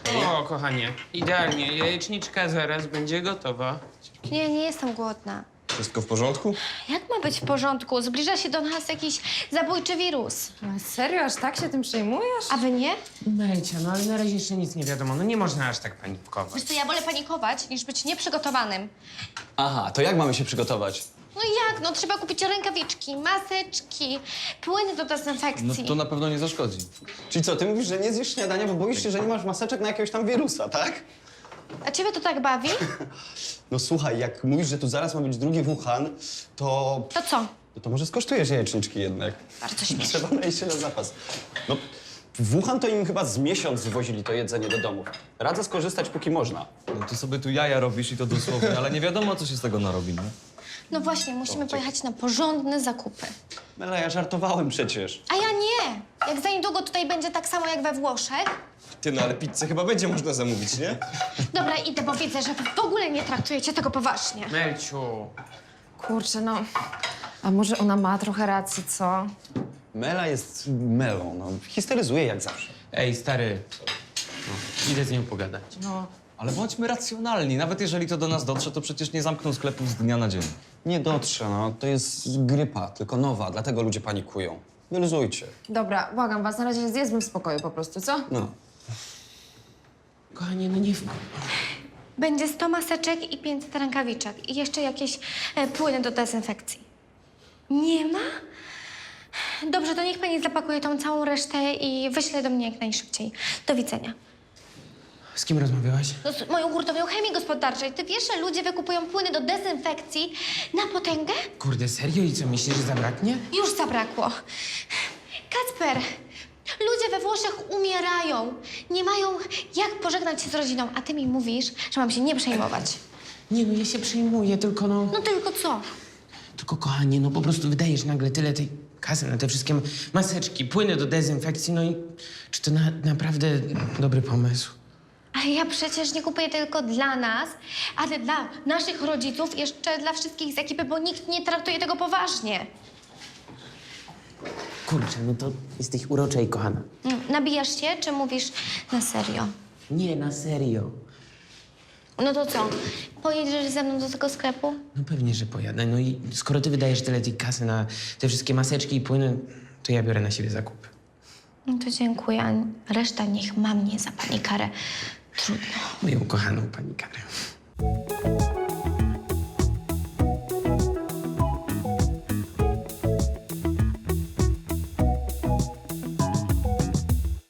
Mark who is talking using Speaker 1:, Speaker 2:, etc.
Speaker 1: O, kochanie, idealnie. Jajeczniczka zaraz będzie gotowa.
Speaker 2: Nie jestem głodna.
Speaker 3: Wszystko w porządku?
Speaker 2: Jak ma być w porządku? Zbliża się do nas jakiś zabójczy wirus.
Speaker 4: Ale serio, aż tak się tym przejmujesz?
Speaker 2: A wy nie?
Speaker 1: Melcia, no ale na razie jeszcze nic nie wiadomo. No nie można aż tak panikować.
Speaker 2: Wiesz co, ja wolę panikować, niż być nieprzygotowanym.
Speaker 3: Aha, to jak mamy się przygotować?
Speaker 2: No jak? No trzeba kupić rękawiczki, maseczki, płyny do dezynfekcji.
Speaker 5: No to na pewno nie zaszkodzi.
Speaker 3: Czyli co, ty mówisz, że nie zjesz śniadania, bo boisz się, że nie masz maseczek na jakiegoś tam wirusa, tak?
Speaker 2: A ciebie to tak bawi?
Speaker 3: No słuchaj, jak mówisz, że tu zaraz ma być drugi Wuhan, to...
Speaker 2: To co?
Speaker 3: To może skosztujesz jajeczniczki jednak.
Speaker 2: Bardzo śmieszne.
Speaker 3: Trzeba najść się na zapas. No, w Wuhan to im chyba z miesiąc zwozili to jedzenie do domów. Radzę skorzystać, póki można.
Speaker 5: No ty sobie tu jaja robisz i to dosłownie, ale nie wiadomo, co się z tego narobi, nie?
Speaker 2: No właśnie, musimy pojechać na porządne zakupy.
Speaker 3: Mela, ja żartowałem przecież.
Speaker 2: A ja nie! Jak za niedługo tutaj będzie tak samo jak we Włoszech.
Speaker 3: Ty, no ale pizzę chyba będzie można zamówić, nie?
Speaker 2: Dobra, idę, bo widzę, że wy w ogóle nie traktujecie tego poważnie.
Speaker 1: Melciu,
Speaker 4: Kurczę, no. A może ona ma trochę racji, co?
Speaker 3: Mela jest Melą, no. Histeryzuje jak zawsze.
Speaker 1: ej, stary. No, idę z nią pogadać.
Speaker 4: No.
Speaker 5: Ale bądźmy racjonalni. Nawet jeżeli to do nas dotrze, to przecież nie zamkną sklepów z dnia na dzień.
Speaker 3: Nie dotrze, no. To jest grypa, tylko nowa, dlatego ludzie panikują. Wyluzujcie.
Speaker 4: Dobra, błagam was, na razie zjedzmy w spokoju po prostu, co?
Speaker 3: No.
Speaker 1: Kochanie, no nie w...
Speaker 2: Będzie 100 maseczek i 500 rękawiczek. I jeszcze jakieś płyny do dezynfekcji. Nie ma? Dobrze, to niech pani zapakuje tą całą resztę i wyśle do mnie jak najszybciej. Do widzenia.
Speaker 1: Z kim rozmawiałaś?
Speaker 2: No, z moją hurtownią chemii gospodarczej. Ty wiesz, że ludzie wykupują płyny do dezynfekcji na potęgę?
Speaker 1: Kurde, serio? I co, myślisz, że zabraknie?
Speaker 2: Już zabrakło. Kacper, ludzie we Włoszech umierają. Nie mają jak pożegnać się z rodziną, a ty mi mówisz, że mam się nie przejmować.
Speaker 1: Nie, no ja się przejmuję, tylko no...
Speaker 2: No tylko co?
Speaker 1: Tylko kochanie, no po prostu wydajesz nagle tyle tej kasy na te wszystkie maseczki, płyny do dezynfekcji, no i czy to naprawdę dobry pomysł?
Speaker 2: Ale ja przecież nie kupuję tylko dla nas, ale dla naszych rodziców, jeszcze dla wszystkich z ekipy, bo nikt nie traktuje tego poważnie.
Speaker 1: Kurczę, no to jesteś urocza i kochana.
Speaker 2: Nabijasz się, czy mówisz na serio?
Speaker 1: Nie, na serio.
Speaker 2: No to co? Pojedziesz ze mną do tego sklepu?
Speaker 1: No pewnie, że pojadę. No i skoro ty wydajesz tyle tej kasy na te wszystkie maseczki i płyny, to ja biorę na siebie zakupy.
Speaker 2: No to dziękuję, a reszta niech ma mnie za pani karę. Trudno.
Speaker 1: Moją kochaną pani Karę.